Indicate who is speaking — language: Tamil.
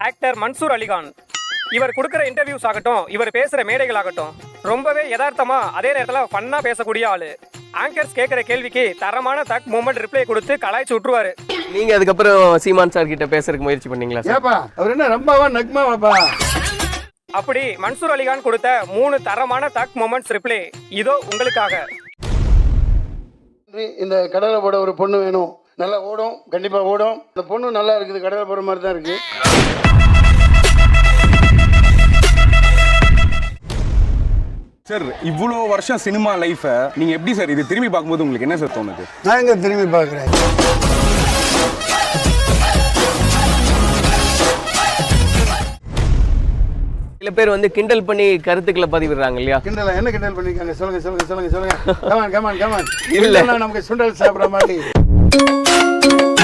Speaker 1: ஆக்டர் மன்சூர் அலிகான். இவர் கொடுக்குற இன்டர்வியூஸ் ஆகட்டும், இவர் பேசுகிற மேடைகள் ஆகட்டும், ரொம்பவே யதார்த்தமா அதே நேரத்தில் ஃபன்னா பேசக்கூடிய ஆளு. ஆங்கர்ஸ் கேட்குற கேள்விக்கு தரமான தக் மூமெண்ட் ரிப்ளை கொடுத்து கலாய்ச்சி விட்டுருவாரு.
Speaker 2: நீங்க அதுக்கப்புறம் சீமான் சார் கிட்ட பேசுறதுக்கு முயற்சி பண்ணீங்களா சார்?
Speaker 3: ஏப்பா அவர் என்ன ரொம்பவா நக்மாவாப்பா?
Speaker 1: அப்படி மன்சூர் அலிகான் கொடுத்த 3 தரமான தக் மூமெண்ட்ஸ் ரிப்ளை இதோ உங்களுக்காக.
Speaker 3: இந்த கடலை போட ஒரு பொண்ணு வேணும், நல்லா ஓடும், கண்டிப்பா ஓடும். இந்த பொண்ணு நல்லா இருக்குது, கடலை போடுற மாதிரி தான் இருக்கு.
Speaker 4: சார் இவ்வளோ வருஷம் சினிமா லைஃபை நீங்க எப்படி சார் இது திரும்பி பார்க்கும்போது உங்களுக்கு என்ன சார் தோணுது?
Speaker 3: நான் எங்க திரும்பி பார்க்குறேன்.
Speaker 2: சில பேர் வந்து கிண்டல் பண்ணி கருத்துக்களை பதிவிடுறாங்க இல்லையா?
Speaker 3: கிண்டலா என்ன கிண்டல் பண்ணிருக்காங்க? சொல்லுங்க சொல்லுங்க சொல்லுங்க சொல்லுங்க. Come on come on come on.
Speaker 2: இல்ல
Speaker 3: நமக்கு சுண்டல் சாப்பிட்ற மாதிரி.